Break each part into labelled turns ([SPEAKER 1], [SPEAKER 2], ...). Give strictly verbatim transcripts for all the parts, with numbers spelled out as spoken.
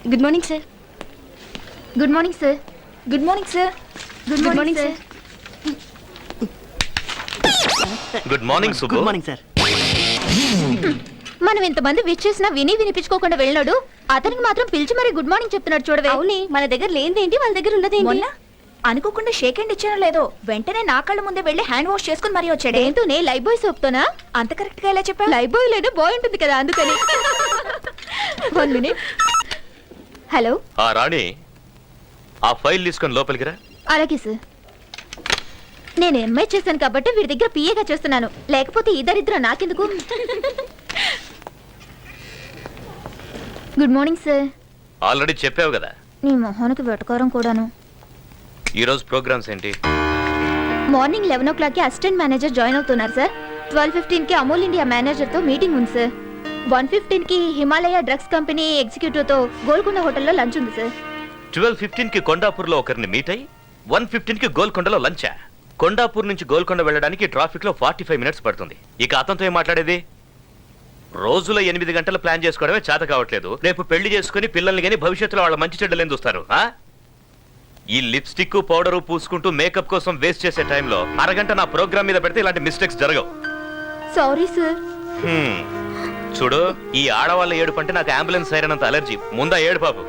[SPEAKER 1] Good morning sir.
[SPEAKER 2] Good morning sir. Good morning sir. Good morning sir.
[SPEAKER 3] Good morning Subbu.
[SPEAKER 1] Good morning sir.
[SPEAKER 2] మనం ఇంతమంది wish చేసినా విని వినిపించుకోకుండా వెళ్ళినాడు, అతనికి మాత్రం పిలిచి మరి గుడ్ మార్నింగ్ చెప్తున్నాడు చూడవే.
[SPEAKER 1] అవునే, మన దగ్గర లేనిదేంటి, వాళ్ళ దగ్గర ఉన్నదేంటి?
[SPEAKER 2] మొన్న అనుకోకుండా షేక్ హ్యాండ్ ఇచ్చానో లేదో వెంటనే నా కళ్ళ ముందే వెళ్ళి హ్యాండ్ వాష్ చేసుకుని మరీ వచ్చాడు. ఏంటోనే లైఫ్ బాయ్ సోప్తోనా? అంత కరెక్ట్ గా ఎలా చెప్పా? లైఫ్ బాయ్ లేదు బాయ్ ఉంటుంది కదా అందుకని. One minute. హలో.
[SPEAKER 3] ఆ రాణి, ఆ ఫైల్ తీసుకొని లోపలికి రా.
[SPEAKER 2] అలాగే సార్. నేను ఎంఐ చేశాను కాబట్టి వీడి దగ్గర పిఏగా చేస్తున్నాను, లేకపోతే ఇద్దరిద్దరు నాకెందుకు. Good morning sir.
[SPEAKER 3] ఆల్రెడీ చెప్పావు కదా.
[SPEAKER 2] నీ మొహానికి వెటకారం కూడాను.
[SPEAKER 3] ఈ రోజు ప్రోగ్రామ్స్ ఏంటి?
[SPEAKER 2] మార్నింగ్ లెవెన్ ఓ క్లాక్ కి అసిస్టెంట్ మేనేజర్ జాయిన్ అవుతున్నారు సార్. ట్వెల్వ్ ఫిఫ్టీన్ కి అమూల్ ఇండియా మేనేజర్ తో మీటింగ్ ఉంది సార్. వన్ ఫిఫ్టీన్ కి హిమాలయ డ్రగ్స్ కంపెనీ ఎగ్జిక్యూటివ్ తో గోల్కొండ హోటల్లో లంచ్ ఉంది సార్.
[SPEAKER 3] ట్వెల్వ్ ఫిఫ్టీన్ కి కొండాపూర్ లో ఒకరిని మీట్ అయ్యి వన్ ఫిఫ్టీన్ కి గోల్కొండలో లంచా? కొండాపూర్ నుంచి గోల్కొండ వెళ్ళడానికి ట్రాఫిక్ లో ఫార్టీ ఫైవ్ మినిట్స్ పడుతుంది. ఇక అతనితో ఏం మాట్లాడేది? రోజులో ఎనిమిది గంటలు ప్లాన్ చేసుకోవడమే చేత కావట్లేదు. రేపు పెళ్లి చేసుకుని పిల్లల్ని గానీ భవిష్యత్తులో వాళ్ళ మంచి చెడ్డలేం చూస్తారు. ఈ లిప్స్టిక్ పౌడరు పూసుకుంటూ మేకప్ కోసం వేస్ట్ చేసే టైంలో అరగంట నా ప్రోగ్రామ్ మీద పెడితే ఇలాంటి మిస్టేక్స్ జరగవు.
[SPEAKER 2] Sorry sir.
[SPEAKER 3] హ్మ్. చూడు, ఈ ఆడవాళ్ళ ఏడుపు అంటే నాకు అంబులెన్స్ సైరనంత అలర్జీ. ముందా ఏడు పాపు.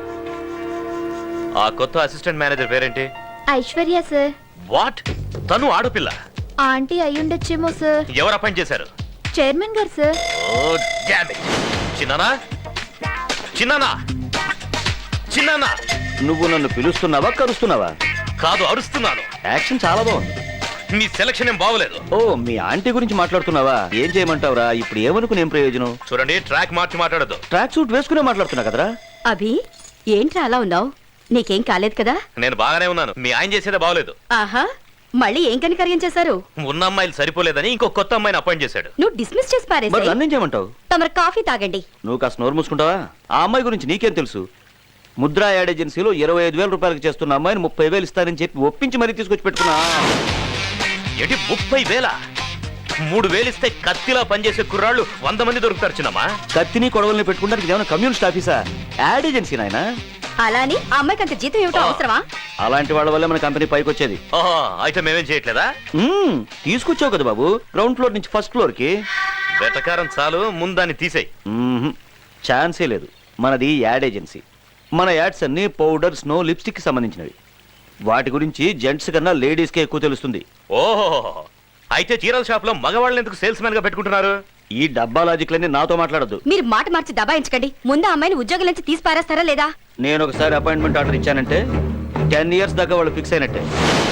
[SPEAKER 3] ఆ కొత్త అసిస్టెంట్ మేనేజర్ పేరేంటి?
[SPEAKER 2] ఐశ్వర్య సార్.
[SPEAKER 3] వాట్? తను ఆడపిల్ల?
[SPEAKER 2] ఆంటీ అయ్యుండొచ్చేమో సార్.
[SPEAKER 3] ఎవరు అపాయింట్ చేశారు?
[SPEAKER 2] చైర్మన్ గారు సార్.
[SPEAKER 3] Oh damn it. చిన్నానా, చిన్నానా, చిన్నానా.
[SPEAKER 4] నువ్వు నన్ను పిలుస్తున్నావా కరుస్తున్నావా?
[SPEAKER 3] కాదు, అరుస్తున్నాను.
[SPEAKER 4] యాక్షన్ చాలా బాగుంది.
[SPEAKER 3] మీ సెలక్షన్ ఏం బాగోలేదు.
[SPEAKER 4] ఓ, మీ ఆంటీ గురించి మాట్లాడుతున్నావా? ఏం చేయమంటావురా? ఇప్పుడు ఏమనుకుని ఏం ప్రయోజనం?
[SPEAKER 3] చూడండి, ట్రాక్ మార్చి మాట్లాడద్దు.
[SPEAKER 4] ట్రాక్ సూట్ వేసుకునే మాట్లాడుతున్నా కదరా.
[SPEAKER 1] అభి, ఏంట్రా అలా ఉన్నావు? నీకేం కాలేదు కదా?
[SPEAKER 3] నేను బాగానే ఉన్నాను. మీ ఆయన చేసేదే బాగోలేదు.
[SPEAKER 1] ఆహా, మళ్ళీ ఏం కనికర్యం చేశారు?
[SPEAKER 3] ఉన్న అమ్మాయిలు సరిపోలేదని ఇంకో కొత్త అమ్మాయిని అపాయింట్ చేశాడు.
[SPEAKER 1] నువ్వు డిస్మిస్ చేసి
[SPEAKER 4] మరి
[SPEAKER 1] పారేసి
[SPEAKER 4] నన్నేం చేయమంటావు?
[SPEAKER 1] తమరు కాఫీ తాగండి.
[SPEAKER 4] నువ్వు కాస్త నోరు మూసుకుంటావా? ఆ అమ్మాయి గురించి నీకేం తెలుసు? ముద్రా యాడ్ ఏజెన్సీలో ఇరవై ఐదు వేల రూపాయలకు చేస్తున్న అమ్మాయిని ముప్పై వేలు ఇస్తానని చెప్పి ఒప్పించి మరీ తీసుకొచ్చి పెట్టుకున్నా.
[SPEAKER 3] ఏంటి ముప్పై వేల? మూడు వేలు ఇస్తే కత్తిలా పనిచేసే కుర్రాళ్ళు వంద మంది దొరుకుతారు చిన్నమ్మా.
[SPEAKER 4] కత్తిని కొడవల్ని పెట్టుకుంటానికి ఏమైనా కమ్యూనిస్ట్ ఆఫీసా? యాడ్ ఏజెన్సీ నాయనా.
[SPEAKER 1] అలాని ఆ అమ్మాయికి అంత జీతం ఏమిటో అవసరమా?
[SPEAKER 4] అలాంటి వాళ్ళ వల్ల మన కంపెనీ పైకి వచ్చేది.
[SPEAKER 3] ఓహో, అయితే మేమేం చేయట్లేదా?
[SPEAKER 4] మ్మ్, తీసుకొచ్చావు కదా బాబు, గ్రౌండ్ ఫ్లోర్ నుంచి ఫస్ట్ ఫ్లోర్ కి.
[SPEAKER 3] వెటకారం చాలు, ముందాన్ని తీసేయి.
[SPEAKER 4] మ్మ్హ్, ఛాన్సే లేదు. మనది యాడ్ ఏజెన్సీ. మన యాడ్స్ అన్ని పౌడర్, స్నో, లిప్స్టిక్ కి సంబంధించినవి. వాటి గురించి జెంట్స్ కన్నా లేడీస్ కే ఎక్కువ తెలుస్తుంది.
[SPEAKER 3] ఓహో, అయితే చీరల షాప్ లో మగవాళ్ళని ఎందుకు సేల్స్ మ్యాన్ గా పెట్టుకుంటున్నారు?
[SPEAKER 4] ఈ డబ్బా లాజిక్లన్నీ నాతో మాట్లాడద్దు.
[SPEAKER 1] మీరు మాట మార్చి దబాయించకండి. ముందు ఆ అమ్మాయిని ఉద్యోగం నుంచి తీసి పారేస్తారా లేదా?
[SPEAKER 4] నేను ఒకసారి అపాయింట్మెంట్ ఆర్డర్ ఇచ్చానంటే టెన్ ఇయర్స్ దాకా వాళ్ళు ఫిక్స్ అయినట్టే.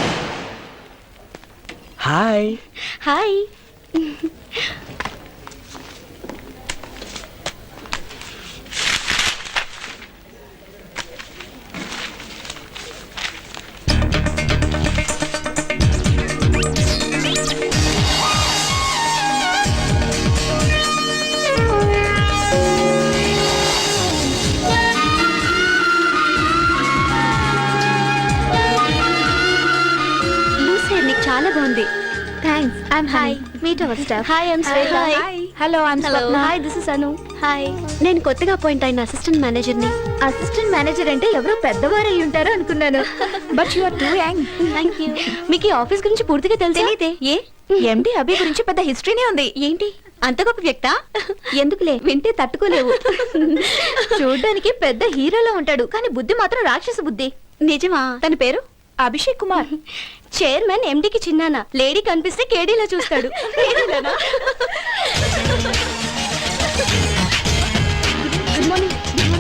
[SPEAKER 4] హాయ్.
[SPEAKER 1] హాయ్. చాలా బాగుంది.
[SPEAKER 2] Thanks. I'm hi. Meet our staff.
[SPEAKER 1] Hi, I'm Shweta.
[SPEAKER 2] Hello, I'm Swapna.
[SPEAKER 1] Hi, this is Anu. Hi, నేను కొత్తగా అపాయింట్ అయిన అసిస్టెంట్ మేనేజర్ ని.
[SPEAKER 2] అసిస్టెంట్ మేనేజర్ అంటే ఎవరో పెద్దవారు అయి ఉంటారు అనుకున్నాను. But you are too young.
[SPEAKER 1] Thank you. మీకు ఈ ఆఫీస్ గురించి పూర్తిగా తెలియదే? ఏ
[SPEAKER 2] ఎండి అభి గురించి పెద్ద హిస్టరీనే ఉంది.
[SPEAKER 1] ఏంటి అంత గొప్ప వ్యక్త?
[SPEAKER 2] ఎందుకులే, వింటే తట్టుకోలేవు. చూడ్డానికి పెద్ద హీరోలో ఉంటాడు, కానీ బుద్ధి మాత్రం రాక్షస బుద్ధి.
[SPEAKER 1] నిజమా? తన పేరు
[SPEAKER 2] అభిషేక్ కుమార్.
[SPEAKER 1] చైర్మన్ ఎండికి చిన్నాన. లేడీ కనిపిస్తే కేడీలా చూస్తాడు. Good morning.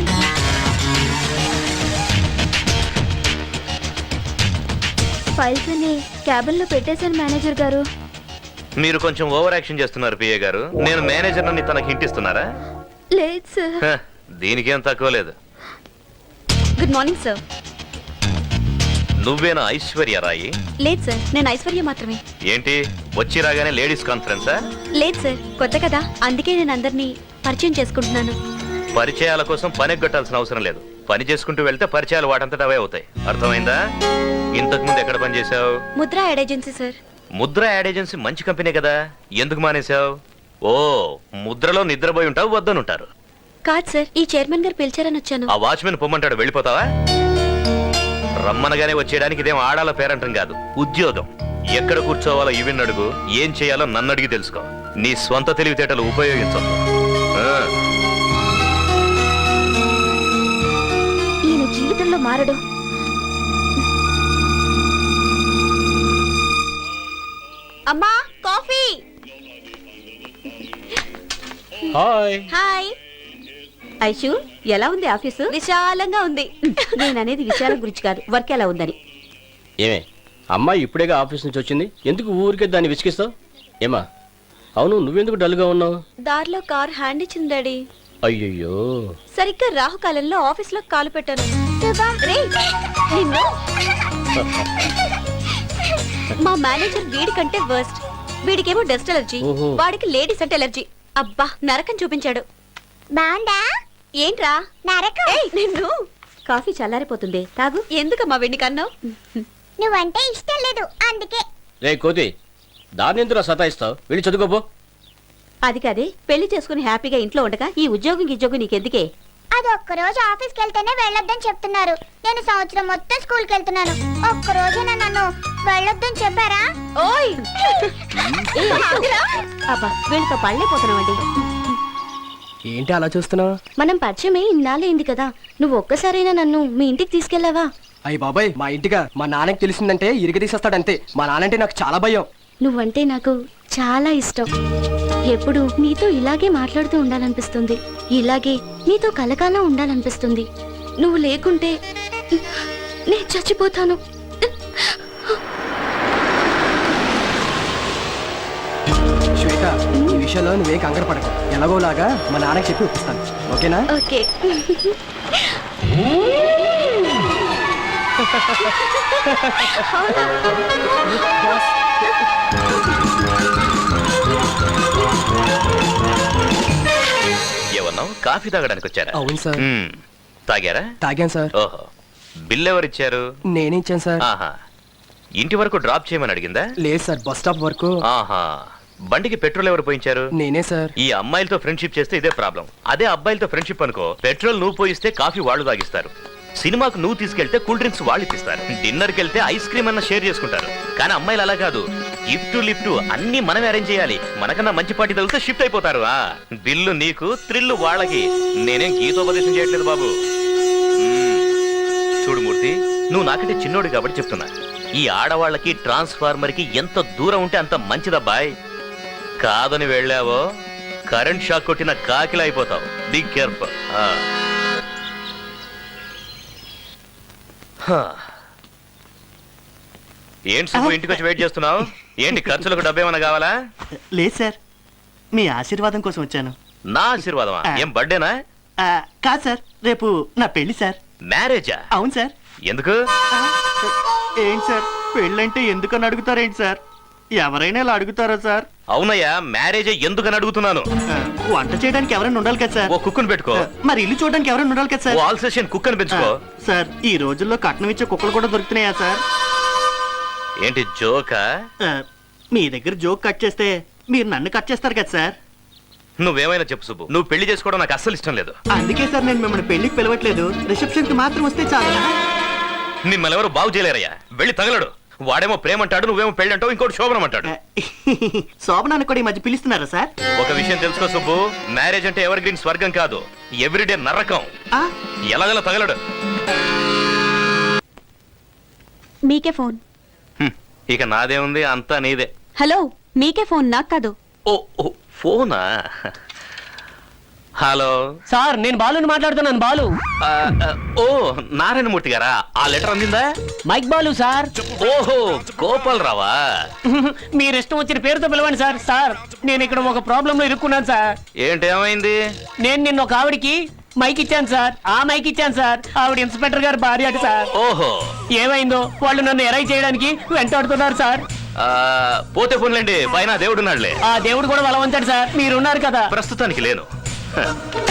[SPEAKER 2] ఫైల్స్ అన్ని క్యాబిన్ లో పెట్టేశాను మేనేజర్ గారు.
[SPEAKER 3] మీరు కొంచెం ఓవర్ యాక్షన్ చేస్తున్నారు పిఏ గారు. నేను మేనేజర్ అని తనకి హింటిస్తున్నారా?
[SPEAKER 2] లేదు సార్.
[SPEAKER 3] హ, దీనికేం తక్కువ లేదు.
[SPEAKER 1] Good morning sir.
[SPEAKER 3] నువ్వేనా ఐశ్వర్య రాయి?
[SPEAKER 1] లేదు సార్, నేను ఐశ్వర్య మాత్రమే.
[SPEAKER 3] ఏంటి వచ్చి రాగానే లేడీస్ కాన్ఫరెన్సా?
[SPEAKER 1] లేదు సార్, కొత్త కదా, అందుకే నేను అందరినీ పరిచయం చేసుకుంటున్నాను.
[SPEAKER 3] పరిచయాల కోసం పని ఎగ్గొట్టాల్సిన అవసరం లేదు. పని చేసుకుంటూ వెళ్తే పరిచయాలు వాటంతట అవే అవుతాయి. అర్థమైందా? ఇంతకు ముందు ఎక్కడ పని చేసావు?
[SPEAKER 1] Mudra ad agency sir.
[SPEAKER 3] Mudra ad agency మంచి కంపెనీ కదా, ఎందుకు మానేశావు? ఓ, ముద్రలో నిద్రపోయి ఉంటావు, వద్దనుంటారు.
[SPEAKER 1] కాదు సార్, ఈ చైర్మన్ గారు పిలిచారని వచ్చాను.
[SPEAKER 3] ఆ వాచ్మెన్ పొమ్మంటాడు, వెళ్ళిపోతావా? రమ్మనగానే వచ్చేయడానికి ఇదేం ఆడాల పేరంటం కాదు, ఉద్యోగం. ఎక్కడ కూర్చోవాలో ఇవిన్ అడుగు, ఏం చేయాలో నన్ను అడిగి తెలుసుకో. నీ స్వంత తెలివితేటలు ఉపయోగించవు.
[SPEAKER 2] ఈయన జీవితంలో మారడు. అమ్మా, కాఫీ.
[SPEAKER 5] హాయ్.
[SPEAKER 1] హాయ్ ఐషు, ఎలా ఉంది ఆఫీసు? విశాలంగా ఉంది. నేను అనేది విశాలం గురించి కాదు, వర్క్ ఎలా ఉందని.
[SPEAKER 5] ఏమే అమ్మాయి ఇప్పుడేగా ఆఫీస్ నుంచి వచ్చింది, ఎందుకు ఊరికే దాన్ని విసిగిస్తావు? ఏమా అవును, నువ్వెందుకు డల్గా ఉన్నావు?
[SPEAKER 1] దారిలో కార్ హ్యాండ్ ఇచ్చింది డాడీ.
[SPEAKER 5] అయ్యయ్యో.
[SPEAKER 1] సరిగ్గా రాహుకాలంలో ఆఫీస్ లో కాలు పెట్టాను. రేయ్, నిన్ను. మా మేనేజర్ వీడి కంటే వర్స్ట్. వీడికేమో డస్ట్ ఎలర్జీ,
[SPEAKER 5] ఓహో.
[SPEAKER 1] వాడికి లేడీస్ అంటే ఎలర్జీ. అబ్బా, నరకం చూపించాడు.
[SPEAKER 2] బాగుందా?
[SPEAKER 1] ఏంట్రా
[SPEAKER 2] నరకం.
[SPEAKER 1] ఏయ్, నిన్ను. కాఫీ చల్లారిపోతుంది, తాగు. ఎందుకమ్మా వెండి కన్నావు?
[SPEAKER 2] నువ్వంటే ఇష్టం లేదు అందుకే.
[SPEAKER 5] రే కోతి, దాన్ని ఎందుకు సతాయిస్తావు? వెళ్ళి చదువుకోపో.
[SPEAKER 1] అది కాదే, పెళ్లి చేసుకుని హ్యాపీగా ఇంట్లో ఉండగా ఈ ఉద్యోగం ఉద్యోగం నీకెందుకే?
[SPEAKER 2] అది ఒక్కరోజు ఆఫీస్కి వెళ్తేనే వెళ్ళొద్దని చెప్తున్నారు. నేను సంవత్సరం మొత్తం స్కూల్కి వెళ్తున్నాను. ఒక్కరోజైనా నన్ను వెళ్ళొద్దని చెప్పారా?
[SPEAKER 1] ఓయ్ ఏ, ఆగురా. అబ్బా, వీళ్ళతో పళ్ళైపోతున్నావండి.
[SPEAKER 6] ఏంటి అలా చూస్తున్నావు?
[SPEAKER 1] మనం పరిచయమే ఇన్నాళ్ళైంది కదా, నువ్వు ఒక్కసారైనా నన్ను మీ ఇంటికి తీసుకెళ్ళావా?
[SPEAKER 6] అయ్యి బాబాయ్, మా ఇంటిగా మా నాన్నకి తెలిసిందంటే ఇరిగ తీసేస్తాడంతే. మా నాన్నంటే నాకు చాలా భయం.
[SPEAKER 1] నువ్వంటే నాకు చాలా ఇష్టం. ఎప్పుడు నీతో ఇలాగే మాట్లాడుతూ ఉండాలనిపిస్తుంది, ఇలాగే నీతో కలకాలం ఉండాలనిపిస్తుంది. నువ్వు లేకుంటే నేను చచ్చిపోతాను.
[SPEAKER 6] శ్వేత, ఈ విషయంలో నువ్వే కంగారు పడకు. ఎలాగోలాగా మా నాన్నకి చెప్పి ఒప్పిస్తాను, ఓకేనా?
[SPEAKER 1] ఓకే.
[SPEAKER 3] ఏమన్నావు? కాఫీ తాగడానికి వచ్చారా?
[SPEAKER 6] అవును సార్.
[SPEAKER 3] మ్మ్. తాగారా?
[SPEAKER 6] తాగాను సార్.
[SPEAKER 3] ఓహో, బిల్ ఎవరిచ్చారు?
[SPEAKER 6] నేనే ఇచ్చాను సార్.
[SPEAKER 3] ఆహా, ఇంటి వరకు డ్రాప్ చేయమని అడిగిందా?
[SPEAKER 6] లేదు సార్, బస్ స్టాప్ వరకు.
[SPEAKER 3] ఆహా, బండికి పెట్రోల్ ఎవరు పోయించారు?
[SPEAKER 6] నేనే సార్.
[SPEAKER 3] ఈ అమ్మాయిలతో ఫ్రెండ్షిప్ చేస్తే ఇదే ప్రాబ్లం. అదే అబ్బాయిలతో ఫ్రెండ్షిప్ అనుకో, పెట్రోల్ నువ్వు పోయిస్తే కాఫీ వాళ్ళు తాగిస్తారు. సినిమాకు నువ్వు తీసుకెళ్తే కూల్ డ్రింక్స్ వాళ్ళు ఇప్పిస్తారు. డిన్నర్కి వెళ్తే ఐస్ క్రీమ్ అన్న షేర్ చేసుకుంటారు. కానీ అమ్మాయిలు అలా కాదు, గిఫ్ట్ లిఫ్ట్ అన్ని మనమే అరేంజ్ చేయాలి. మనకన్నా మంచి పార్టీ తగిలితే షిఫ్ట్ అయిపోతారు. ఆ బిల్లు నీకు, థ్రిల్లు వాళ్ళకి. నేనేం గీతోపదేశం చేయట్లేదు బాబు. మ్మ్. చూడు మూర్తి, నువ్వు నాకంటే చిన్నోడు కాబట్టి చెప్తున్నా, ఈ ఆడవాళ్ళకి ట్రాన్స్ఫార్మర్ కి ఎంత దూరం ఉంటే అంత మంచిదబ్బాయ్. కాదని వెళ్ళావో కరెంట్ షాక్ కొట్టిన కాకిలా అయిపోతావు. Be careful. ఏంటి సుబ్బు, ఇంటికి వచ్చి వెయిట్ చేస్తున్నావు? ఏంటి, ఖర్చులకు డబ్బు ఏమైనా కావాలా?
[SPEAKER 7] లేదు సార్, మీ ఆశీర్వాదం కోసం వచ్చాను.
[SPEAKER 3] నా ఆశీర్వాదమా? ఏం బర్త్డేనా?
[SPEAKER 7] ఆ, కాదు సార్, రేపు నా పెళ్లి సార్.
[SPEAKER 3] మ్యారేజా?
[SPEAKER 7] అవును సార్.
[SPEAKER 3] ఎందుకు?
[SPEAKER 7] ఆ, ఏంటి సార్, పెళ్ళంటే ఎందుకని అడుగుతారేంటి సార్? ఎవరైనా ఇలా అడుగుతారా సార్?
[SPEAKER 3] అవునయ్యా, మ్యారేజే ఎందుకని అడుగుతున్నాను.
[SPEAKER 7] ఆ, వంట చేయడానికి ఎవరైనా ఉండాలి కదా సార్?
[SPEAKER 3] ఓ కుక్కును పెట్టుకో.
[SPEAKER 7] ఆ, మరి ఇల్లు చూడడానికి ఎవరైనా ఉండాలి కదా
[SPEAKER 3] ఓ
[SPEAKER 7] సార్?
[SPEAKER 3] ఆల్ సెషన్ కుక్ అని పెంచుకో.
[SPEAKER 7] ఆ, సార్, ఈ రోజుల్లో కట్నం ఇచ్చే కుక్కలు కూడా దొరుకుతున్నాయా సార్?
[SPEAKER 3] ఏంటి జోకా?
[SPEAKER 7] ఆ, మీ దగ్గర జోక్ కట్ చేస్తే మీరు నన్ను కట్ చేస్తారు కదా సార్?
[SPEAKER 3] నువ్వేమైనా చెప్పు సుబ్బు, నువ్వు పెళ్లి చేసుకోవడం నాకు అస్సలు ఇష్టం లేదు.
[SPEAKER 7] అందుకే సార్ నేను మిమ్మల్ని పెళ్లికి పిలవట్లేదు, రిసెప్షన్ కి మాత్రం వస్తే చాలు.
[SPEAKER 3] మిమ్మల్ని ఎవరు బాగు చేయలేరయ్యా. వెళ్ళి తగలడు. వాడేమో ప్రేమ అంటాడు, నువ్వేమో పెళ్లి అంటావు, ఇంకోటి శోభనం అంటాడు.
[SPEAKER 7] ఆ, శోభనాన్ని కూడా ఈ మధ్య పిలుస్తున్నారా సార్?
[SPEAKER 3] ఒక విషయం తెలుసుకో సుబ్బు, మ్యారేజ్ అంటే ఎవర్ గ్రీన్ స్వర్గం కాదు, ఎవ్రీడే నరకం.
[SPEAKER 7] ఆ,
[SPEAKER 3] ఎలాగలా తగలడు.
[SPEAKER 1] మీకే ఫోన్.
[SPEAKER 3] హ్మ్, ఇక నాదే ఉంది, అంతా నీదే.
[SPEAKER 1] హలో, మీకే ఫోన్, నాకు కాదు.
[SPEAKER 3] ఓ ఓ ఫోనా? హలో
[SPEAKER 6] సార్, నేను బాలుని మాట్లాడుతున్నాను. బాలు.
[SPEAKER 3] ఆ, ఆ, ఓ నారాయణమూర్తి గారా? ఆ లెటర్ అందిందా?
[SPEAKER 6] Mike Balu sir.
[SPEAKER 3] ఓహో, గోపాల్ రావా?
[SPEAKER 6] మీరు ఇష్టం వచ్చిన పేరుతో పిలవండి సార్. సార్, నేను ఇక్కడ ఒక ప్రాబ్లం లో ఇరుక్కున్నాను సార్.
[SPEAKER 3] ఏంటి, ఏమైంది?
[SPEAKER 6] నేను నిన్న ఒక ఆవిడికి మైక్ ఇచ్చాను సార్. ఆ మైక్ ఇచ్చాను సార్. ఆవిడ ఇన్స్పెక్టర్ గారు భార్య అట సార్.
[SPEAKER 3] ఓహో,
[SPEAKER 6] ఏమైందో వాళ్ళు నన్ను ఎరై చేయడానికి వెంటాడుతున్నారు సార్.
[SPEAKER 3] ఆ, పోతే పోన్లేండి, పైన దేవుడున్నాడులే.
[SPEAKER 6] ఆ దేవుడు కూడా బలవంతాడు సార్. మీరున్నారు కదా.
[SPEAKER 3] ప్రస్తుతానికి లేను. హ.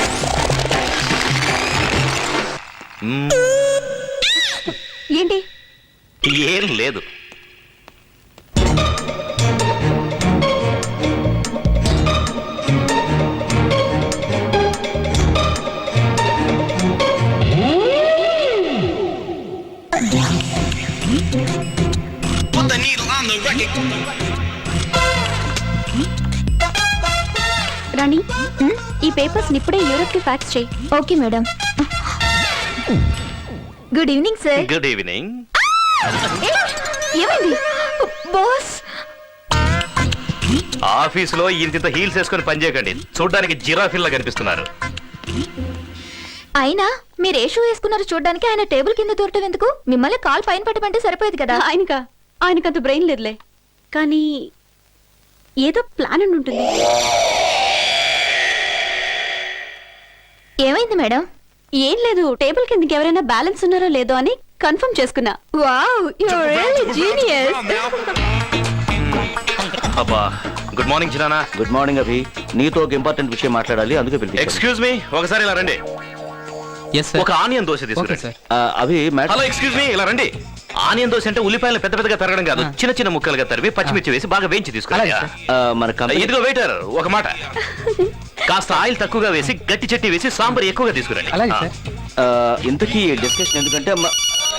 [SPEAKER 3] మ్మ్,
[SPEAKER 1] ఏంటి?
[SPEAKER 3] ఏం లేదు.
[SPEAKER 1] రాణి ఈ పేపర్స్ ఇప్పుడే యూరోప్ కి ఫ్యాక్స్ చేయి.
[SPEAKER 2] Okay madam. Good evening sir.
[SPEAKER 3] Good evening.
[SPEAKER 2] ఏమైంది బాస్?
[SPEAKER 3] ఆఫీసులో ఇంత హీల్స్ వేసుకొని పనిచేయకండి, చూడడానికి జిరాఫిల్లా కనిపిస్తున్నారు.
[SPEAKER 2] అయినా మీరు ఏ షూ వేసుకున్నారు చూడడానికి? ఆయన టేబుల్ కింద దూరటం ఎందుకు? మిమ్మల్ని కాల్ పైన పెట్టమంటే సరిపోయేది కదా.
[SPEAKER 1] ఆయనక ఆయనకంత బ్రెయిన్ లేదులే, కానీ ఏదో ప్లాన్ అని ఉంటుంది.
[SPEAKER 2] ఏమైంది మేడం?
[SPEAKER 1] ఏం లేదు, టేబుల్ కిందకి ఎవరైనా బ్యాలెన్స్ ఉన్నారో లేదో అని కన్ఫర్మ్ చేసుకున్నా.
[SPEAKER 2] Wow, you are really genius.
[SPEAKER 3] అబ్బా, గుడ్ మార్నింగ్ చిరానా.
[SPEAKER 4] గుడ్ మార్నింగ్ అభి, నీతో ఒక ఇంపార్టెంట్ విషయం మాట్లాడాలి, అందుకే పిలిపించాను.
[SPEAKER 3] ఎక్స్క్యూజ్ మీ, ఒకసారి ఇలా రండి. ఒక ఆనియన్ దోశ తీసుకురండి.
[SPEAKER 4] ఆ, Abhi madam.
[SPEAKER 3] Hello, excuse me, ఇలా రండి. ఆనియన్ దోశ అంటే ఉల్లిపాయలు పెద్ద పెద్దగా తరగడం కాదు, చిన్న చిన్న ముక్కలుగా తరివి పచ్చిమిర్చి వేసి బాగా వేయించి తీసుకురండి.
[SPEAKER 4] ఆ, మన కంపెనీ
[SPEAKER 3] ఇదిగో వెయిటర్, ఒక మాట, కాస్త ఆయిల్ తక్కువగా వేసి గట్టి చట్నీ వేసి సాంబార్ ఎక్కువగా తీసుకురండి.
[SPEAKER 4] ఆ, ఇంతకీ డిస్కషన్ ఎందుకంటే మ-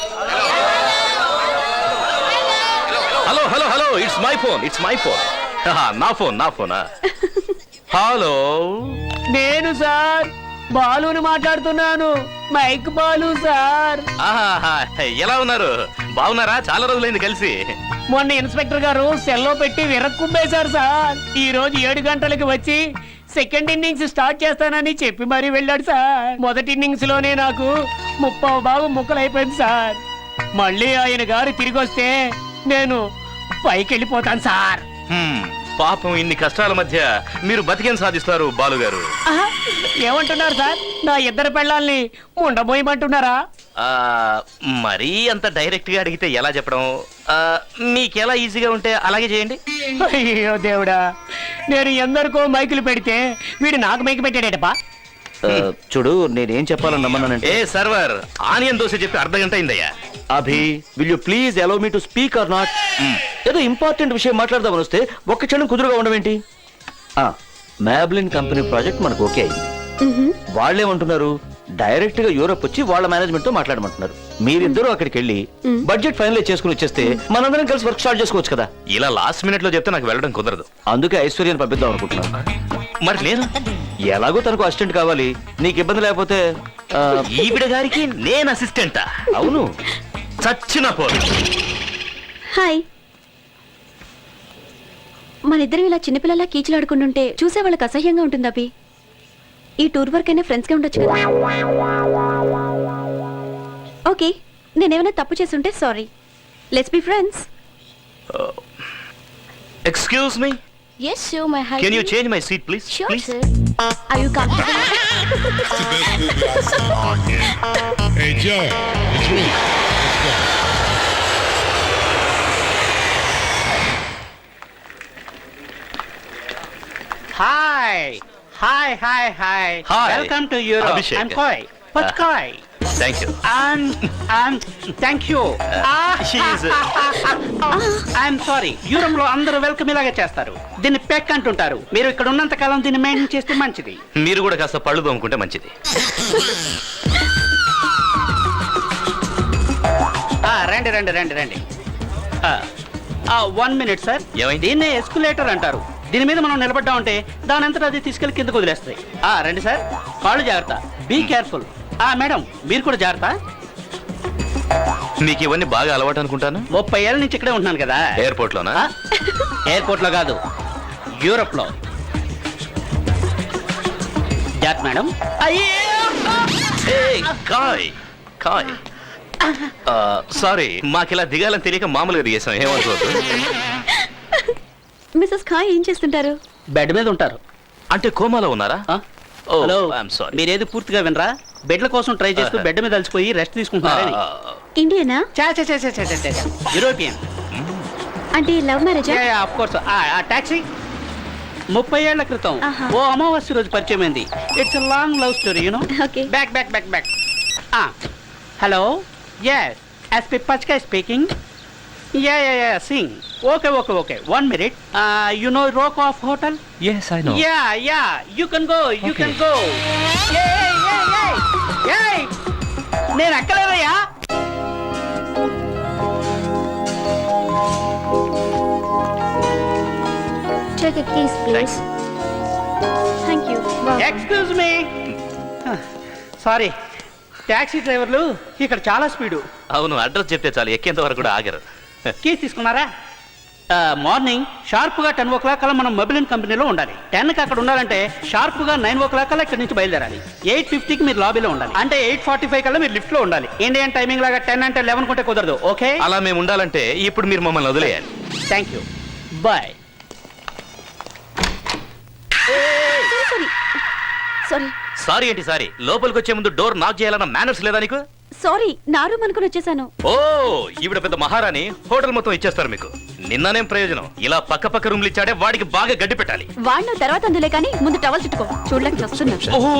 [SPEAKER 3] hello hello hello, it's my phone, it's my phone. నా ఫోన్ నా ఫోనా? హలో,
[SPEAKER 6] నేను సార్ బాలుని మాట్లాడుతున్నాను. Mike Balu sir.
[SPEAKER 3] ఆహాహా, ఎలా ఉన్నారు? బాగున్నారా? చాలా రోజులైంది కలిసి.
[SPEAKER 6] మొన్న ఇన్స్పెక్టర్ గారు సెల్లో పెట్టి విరక్కుంపేశారు సార్. ఈ రోజు ఏడు గంటలకి వచ్చి సెకండ్ ఇన్నింగ్స్ స్టార్ట్ చేస్తానని చెప్పి మరీ వెళ్ళాడు సార్. మొదటి ఇన్నింగ్స్ లోనే నాకు ముప్పావు బాబు ముక్కలైపోయింది సార్. మళ్ళీ ఆయన గారు తిరిగి వస్తే నేను పైకి వెళ్ళిపోతాను సార్.
[SPEAKER 3] హ్మ్, పాపం ఇన్ని కష్టాల మధ్య మీరు బతికేం సాధిస్తారు బాలుగారు?
[SPEAKER 6] ఆహా, ఏమంటున్నారు సార్? నా ఇద్దరు పెళ్ళాల్ని ఉండబోయమంటున్నారా?
[SPEAKER 3] ఆ, మరీ అంత డైరెక్ట్ గా అడిగితే ఎలా చెప్పడం? ఆ, మీకెలా ఈజీగా ఉంటే అలాగే చేయండి.
[SPEAKER 6] అయ్యో దేవుడా, నేను ఎందరికో మైకులు పెడితే వీడు నాకు మైకు పెట్టాడేటప్పా.
[SPEAKER 4] ఆ, చూడు, నేనేం చెప్పాలని రమ్మన్నానంటే,
[SPEAKER 3] ఏ సర్వర్, ఆనియన్ దోశ చెప్పి అర్ధ గంట అయిందయ్యా.
[SPEAKER 4] Abhi will you please allow me to speak or not? ఏదో ఇంపార్టెంట్ విషయం మాట్లాడదామని వస్తే ఒక్క క్షణం కుదురుగా ఉండవేంటి? మ్యాబ్లిన్ కంపెనీ ప్రాజెక్ట్ మనకు ఓకే అయింది. వాళ్ళేమంటున్నారు, డైరెక్ట్ గా యూరోప్ వచ్చి వాళ్ళ మేనేజ్మెంట్ తో మాట్లాడమంటున్నారు. మీరిద్దరూ అక్కడికి వెళ్ళి బడ్జెట్ ఫైనలైజ్ చేసుకుని వచ్చేస్తే మనందరం కలిసి వర్క్ స్టార్ట్ చేసుకోవచ్చు కదా.
[SPEAKER 3] ఇలా లాస్ట్ మినిట్ లో చెప్తే నాకు వెళ్ళడం కుదరదు.
[SPEAKER 4] అందుకే ఐశ్వర్యాన్ని పంపిద్దాం అనుకుంటున్నాను.
[SPEAKER 3] మరి నేను
[SPEAKER 4] ఎలాగో తనకు అసిస్టెంట్ కావాలి, నీకు ఇబ్బంది లేకపోతే. ఆ,
[SPEAKER 3] ఈవిడ గారికి నేను అసిస్టెంటా?
[SPEAKER 4] అవును.
[SPEAKER 3] చచ్చిన పోరు.
[SPEAKER 1] హాయ్. మన ఇద్దరం ఇలా చిన్నపిల్లలా కీచులాడుకుంటుంటే చూసే వాళ్ళకి అసహ్యంగా ఉంటుంది అభి. ఈ టూర్ వర్క్ అయినా ఫ్రెండ్స్గా ఉండొచ్చు కదా. ఓకే, నేనేమైనా తప్పు చేస్తుంటే sorry. Let's be friends.
[SPEAKER 3] Excuse me,
[SPEAKER 2] yes sure my husband.
[SPEAKER 3] Can you change my seat please?
[SPEAKER 2] Sure
[SPEAKER 3] please.
[SPEAKER 2] sir. Are you comfortable?
[SPEAKER 8] Hey Joe, it's me. Let's go.
[SPEAKER 9] Hi, hi, hi, hi.
[SPEAKER 3] Hi.
[SPEAKER 9] Welcome to Europe.
[SPEAKER 3] Abhishek.
[SPEAKER 9] I'm Koi. What's
[SPEAKER 3] Uh,
[SPEAKER 9] Koi?
[SPEAKER 3] Thank you.
[SPEAKER 9] And and thank you. Ah,
[SPEAKER 3] She is.
[SPEAKER 9] I'm sorry. Europe లో అందరూ welcome ఇలాగే చేస్తారు. దీన్ని పెక్ అంటుంటారు. మీరు ఇక్కడ ఉన్నంత కాలం దీన్ని మెయింటైన్ చేస్తే మంచిది.
[SPEAKER 3] మీరు కూడా కాస్త పళ్ళు తోముకుంటే మంచిది.
[SPEAKER 9] ఆ, రండి రండి రండి రండి. One minute sir.
[SPEAKER 3] ఏమైంది?
[SPEAKER 9] దీన్నే ఎస్కులేటర్ అంటారు. దీని మీద మనం నిలబడ్డా ఉంటే దాని అంతటా అది తీసుకెళ్లి కిందకు వదిలేస్తాయి. ఆ, రండి సార్. కాళ్ళు జాగ్రత్త. Be careful. ఆ మేడం, మీరు కూడా జాగ్రత్త.
[SPEAKER 3] మీకు ఇవన్నీ బాగా అలవాటు అనుకుంటాను.
[SPEAKER 9] ముప్పై ఏళ్ళ నుంచి ఇక్కడే ఉంటున్నాను కదా.
[SPEAKER 3] ఎయిర్పోర్ట్ లోనా?
[SPEAKER 9] ఎయిర్పోర్ట్ లో కాదు, యూరోప్ లో. జాగ్రత్త మేడం.
[SPEAKER 3] కాయ్ కాయ్. సారీ, మాకు ఇలా దిగాలని తెలియక మామూలుగా దిగేసాం, ఏమనుకోవద్దు.
[SPEAKER 1] మిసెస్ ఖాయ్ ఏం చేస్తుంటారు?
[SPEAKER 9] బెడ్ మీద ఉంటారు.
[SPEAKER 3] అంటే కోమాలో ఉన్నారా?
[SPEAKER 9] ఆ?
[SPEAKER 3] Oh,
[SPEAKER 9] hello,
[SPEAKER 3] I'm sorry.
[SPEAKER 9] మీరేది పూర్తిగా వినరా? బెడ్ల కోసం ట్రై చేస్తూ బెడ్ మీద అలసిపోయి రెస్ట్ తీసుకుంటున్నారని.
[SPEAKER 1] ఇండియనా?
[SPEAKER 9] చా చా చా చా చా చా చా. యూరోపియన్.
[SPEAKER 1] అంటే లవ్ మ్యారేజా?
[SPEAKER 9] Of course. ఆ టాక్సీ ముప్పై ఏళ్ల క్రితం
[SPEAKER 1] ఆహా.
[SPEAKER 9] ఓ అమావాస్య రోజు పరిచయం అయింది. It's a long love story, you know.
[SPEAKER 1] Okay.
[SPEAKER 9] Back back back back. Hello, yes, SP పచ్కా speaking. Yeah yeah yeah Singh. Okay okay okay, one minute. You know rock of hotel?
[SPEAKER 5] Yes, I know.
[SPEAKER 9] Yeah yeah, you can go, you can go. నేను ఎక్కలేదయ్యా.
[SPEAKER 2] Check a case please.
[SPEAKER 1] Thank you
[SPEAKER 9] excuse me sorry taxi డ్రైవర్లు ఇక్కడ చాలా speed
[SPEAKER 3] అవును, address చెప్తే చాలు ఎక్కేంత వరకు కూడా ఆగరు.
[SPEAKER 9] కీస్ తీసుకున్నారా మార్నింగ్ షార్ప్గా టెన్ ఓ క్లాక్ కల్లా మనం మొబైల్ కంపెనీలో ఉండాలి. టెన్కి అక్కడ ఉండాలంటే షార్ప్గా నైన్ ఓ క్లాక్ కల్లా ఇక్కడ నుంచి బయలుదేరాలి. ఎయిట్ ఫిఫ్టీకి మీరు లాబీలో ఉండాలి. అంటే ఎయిట్ ఫార్టీ ఫైవ్ కల్లా మీరు లిఫ్ట్లో ఉండాలి. ఇండియన్ టైమింగ్ లాగా టెన్ అంటే లెవెన్ కొంటే కుదరదు. ఓకే,
[SPEAKER 3] అలా మేము ఉండాలంటే ఇప్పుడు మీరు మమ్మల్ని వదిలేయాలి.
[SPEAKER 9] Thank you, bye.
[SPEAKER 1] Sorry sorry
[SPEAKER 3] sorry ఏంటి సారీ? లోపలికి వచ్చే ముందు డోర్ నాక్ చేయాలన్న మేనర్స్ లేదా నీకు?
[SPEAKER 1] సారీ నా రూమ్ అనుకుని వచ్చేసాను.
[SPEAKER 3] ఓ, ఈవిడ పెద్ద మహారాణి, హోటల్ మొత్తం ఇచ్చేస్తారు మీకు. నిన్ననేం ప్రయోజనం? ఇలా పక్క పక్క రూమ్లు ఇచ్చాడే, వాడికి బాగా గడ్డి పెట్టాలి.
[SPEAKER 1] వాడిన తర్వాత అందులే కానీ ముందు టవల్ చుట్టుకో, చూడలేక వస్తున్నా.
[SPEAKER 3] ఓహో,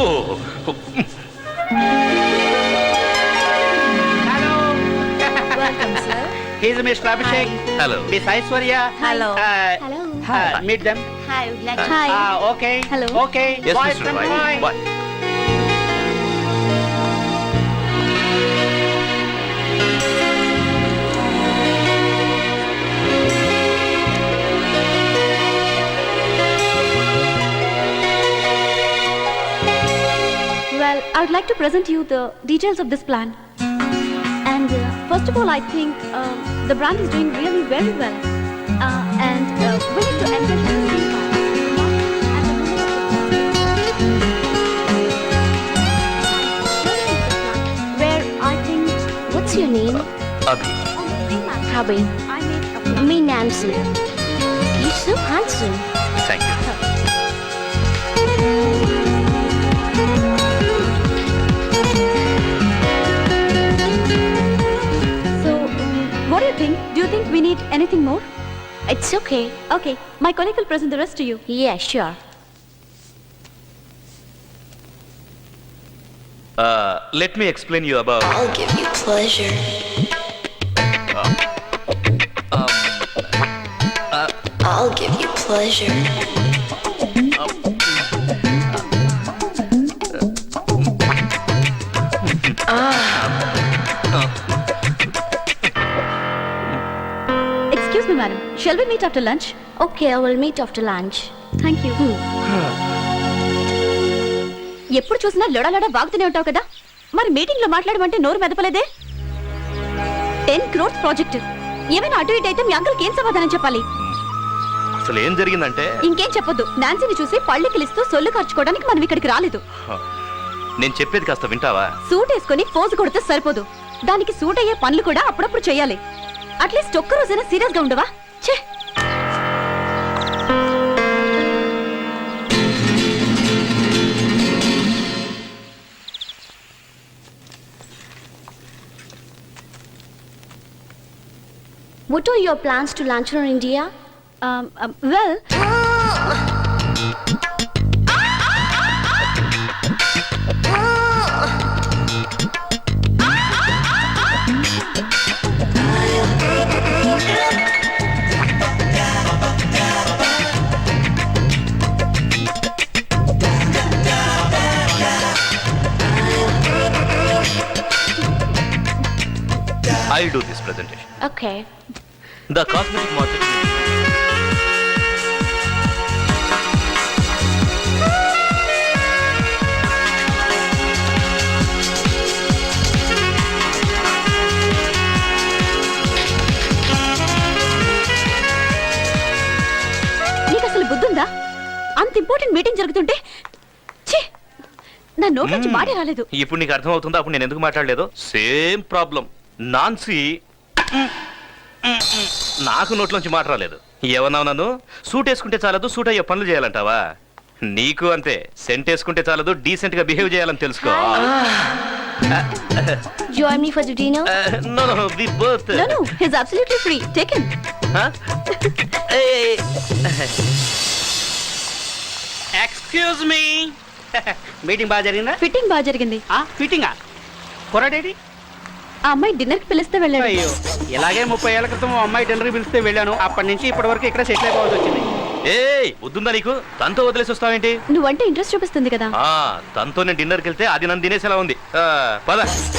[SPEAKER 9] hello, he's mister Abhishek,
[SPEAKER 3] hello.
[SPEAKER 9] Miss Aishwarya.
[SPEAKER 1] Hello.
[SPEAKER 2] Hello.
[SPEAKER 9] Meet them.
[SPEAKER 1] Hi.
[SPEAKER 9] Okay,
[SPEAKER 1] Hello.
[SPEAKER 9] Okay,
[SPEAKER 3] Yes,
[SPEAKER 9] bye
[SPEAKER 3] Mister
[SPEAKER 9] friend,
[SPEAKER 3] Roy.
[SPEAKER 9] Bye.
[SPEAKER 3] Bye.
[SPEAKER 1] Well, I would like to present you the details of this plan. And uh, first of all, I think um, the brand is doing really very well. Uh, and uh, we need to engage the green card. And the women of the where I think
[SPEAKER 2] What's your name?
[SPEAKER 3] Abhi.
[SPEAKER 1] on the same line,
[SPEAKER 2] Abhi.
[SPEAKER 1] I made a plan.
[SPEAKER 2] Me, Nancy. You're so handsome.
[SPEAKER 3] Thank you.
[SPEAKER 1] So, um, what do you think? Do you think we need anything more?
[SPEAKER 2] It's okay.
[SPEAKER 1] Okay, my colleague will present the rest to you.
[SPEAKER 2] Yeah, sure.
[SPEAKER 3] Let me explain you about
[SPEAKER 10] I'll give you pleasure. I'll give you pleasure.
[SPEAKER 1] Excuse me, madam. Shall we meet after lunch?
[SPEAKER 2] Okay, I will meet after lunch.
[SPEAKER 1] Thank you. ఎప్పుడు చూసినా లొడలొడ వాగుతూనే ఉంటావు కదా, మరి meeting లో మాట్లాడమంటే నోరు మెదపలేదే. Ten crores project, ఏమైనా అటు ఇటు అయితే మీ అంకుల్కి ఏం సమాధానం చెప్పాలి?
[SPEAKER 3] అసలు ఏం జరిగిందంటే,
[SPEAKER 1] ఇంకేం చెప్పొద్దు. నాన్సీని చూసి పళ్ళెకిలిస్తూ సొల్లు ఖర్చుకోవడానికి మనం ఇక్కడికి రాలేదు.
[SPEAKER 3] నేను చెప్పేది కాస్త వింటావా?
[SPEAKER 1] సూట్ వేసుకొని పోజు కొడితే సరిపోదు, దానికి సూట్ అయ్యే పనులు కూడా అప్పుడప్పుడు చేయాలి. అట్లీస్ట్ ఒక్క రోజైనా సీరియస్ గా ఉండవా? ఛే!
[SPEAKER 2] What are your plans to lunch in India?
[SPEAKER 1] Um, um, well,
[SPEAKER 3] I'll do this presentation.
[SPEAKER 2] Okay.
[SPEAKER 3] The cosmetic market.
[SPEAKER 1] నీకు అసలు బుద్ధుందా? అంత ఇంపార్టెంట్ మీటింగ్ జరుగుతుంటే ఛీ! నా నోట్ నుంచి మాటే రాలేదు.
[SPEAKER 3] ఇప్పుడు నీకు అర్థం అవుతుందా అప్పుడు నేను ఎందుకు మాట్లాడలేదు? Same problem. నాన్సీ నాకు నోట్లోంచి మాట రాలేదు. ఏమన్నావు నన్ను? సూట్ వేసుకుంటే చాలదు, సూట్ అయ్యే పనులు చేయాలంటావా? నీకు అంతే, సెంట్ వేసుకుంటే చాలదు, డీసెంట్ గా బిహేవ్ చేయాలని తెలుసుకో.
[SPEAKER 2] Join me for the dinner?
[SPEAKER 3] No no we both.
[SPEAKER 1] No, no, he's absolutely free. Take him.
[SPEAKER 9] Excuse me, meeting బాగా జరిగిందా?
[SPEAKER 1] ఫిట్టింగ్ బాగా జరిగింది.
[SPEAKER 9] ఫిట్టింగా కుర్రాడేడి?
[SPEAKER 1] ఆ అమ్మాయి డిన్నర్ కి పిలిస్తే వెళ్ళాడు.
[SPEAKER 9] అయ్యో, ఇలాగే ముప్పై ఏళ్ల క్రితం ఓ అమ్మాయి డిన్నర్ పిలిస్తే వెళ్ళాను. అప్పటి నుంచి ఇప్పటి వరకు ఇక్కడ సెటిల్ అయిపోవాల్సి వచ్చింది.
[SPEAKER 3] ఏయ్, వద్దుందా నీకు? తనతో వదిలేసి వస్తావేంటి?
[SPEAKER 1] నువ్వంటే ఇంట్రెస్ట్ చూపిస్తుంది కదా.
[SPEAKER 3] ఆ, తనతో నేను డిన్నర్కి వెళ్తే అది నన్ను తినేసేలా ఉంది. ఆ, పద.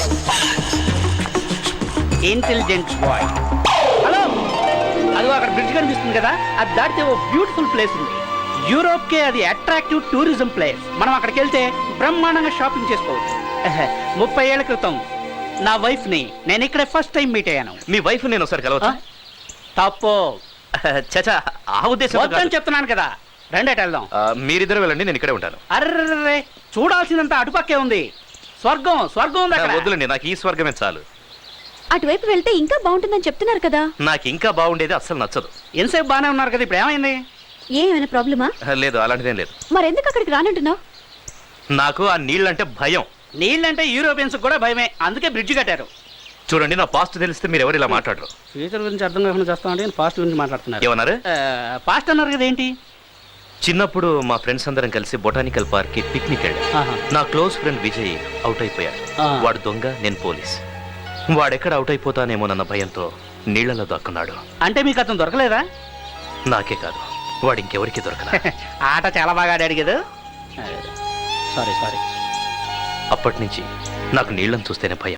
[SPEAKER 9] Intelligent boy. హలో, అదిగో అక్కడ బ్రిడ్జ్ కనిపిస్తుంది కదా, అది దాటితే ఓ బ్యూటిఫుల్ ప్లేస్ ఉంది. యూరోప్ కే అది అట్రాక్టివ్ టూరిజం ప్లేస్. మనం అక్కడికి వెళ్తే బ్రహ్మాండంగా షాపింగ్ చేసుకోవచ్చు. ముప్పై ఏళ్ల క్రితం నా వైఫ్ ని నేను ఇక్కడే ఫస్ట్ టైం మీట్ అయ్యాను.
[SPEAKER 3] మీ వైఫ్ నేను ఒకసారి కలవచ్చా?
[SPEAKER 9] తప్పు.
[SPEAKER 3] చచా, ఆ ఉద్దేశం
[SPEAKER 9] వద్దని చెప్తున్నాను కదా. రెండేట వెళ్దాం.
[SPEAKER 3] మీరిద్దరు వెళ్ళండి, నేను ఇక్కడే ఉంటాను.
[SPEAKER 9] అర్రే, చూడాల్సిందంతా అటుపక్కే ఉంది. స్వర్గం స్వర్గం ఉంది అక్కడ.
[SPEAKER 3] వద్దులండి, నాకు ఈ స్వర్గమే చాలు.
[SPEAKER 1] అటువైపు వెళ్తే ఇంకా బాగుంటుందని చెప్తున్నారు కదా.
[SPEAKER 3] నాకు ఇంకా బాగుండేది అస్సలు నచ్చదు.
[SPEAKER 9] ఎంతసేపు బాగానే ఉన్నారు కదా, ఇప్పుడు ఏమైంది?
[SPEAKER 1] ఏమైనా ప్రాబ్లమా?
[SPEAKER 3] లేదు, అలాంటిదేం లేదు.
[SPEAKER 1] మరెందుకు అక్కడికి రానంటున్నావు?
[SPEAKER 3] నాకు ఆ నీళ్ళంటే భయం.
[SPEAKER 9] నీళ్ళంటే యూరోపియన్స్ కూడా భయమే, అందుకే బ్రిడ్జ్ కట్టారు.
[SPEAKER 3] చూడండి, నా పాస్ట్ తెలిస్తే మీరు ఎవరు ఇలా మాట్లాడరు.
[SPEAKER 9] ఫ్యూచర్ గురించి అర్థం కాకుండా చేస్తామంటే పాస్ట్ గురించి మాట్లాడుతున్నారు.
[SPEAKER 3] ఏమన్నారు?
[SPEAKER 9] పాస్ట్ అన్నారు కదా, ఏంటి?
[SPEAKER 3] చిన్నప్పుడు మా ఫ్రెండ్స్ అందరం కలిసి బొటానికల్ పార్క్ కి పిక్నిక్ వెళ్ళాం.
[SPEAKER 9] ఆహా.
[SPEAKER 3] నా క్లోజ్ ఫ్రెండ్ విజయ్ అవుట్ అయిపోయాడు.
[SPEAKER 9] ఆ.
[SPEAKER 3] వాడు దొంగ, నేను పోలీస్. వాడెక్కడ అవుట్ అయిపోతానేమోనన్న భయంతో నీళ్లలో దక్కున్నాడు.
[SPEAKER 9] అంటే మీకు అతను దొరకలేదా?
[SPEAKER 3] నాకే కాదు, వాడు ఇంకెవరికి దొరకలా.
[SPEAKER 9] ఆట చాలా బాగా ఆడాడు కదా. సారీ సారీ
[SPEAKER 3] అప్పటి నుంచి నాకు నీళ్ళని చూస్తేనే భయం.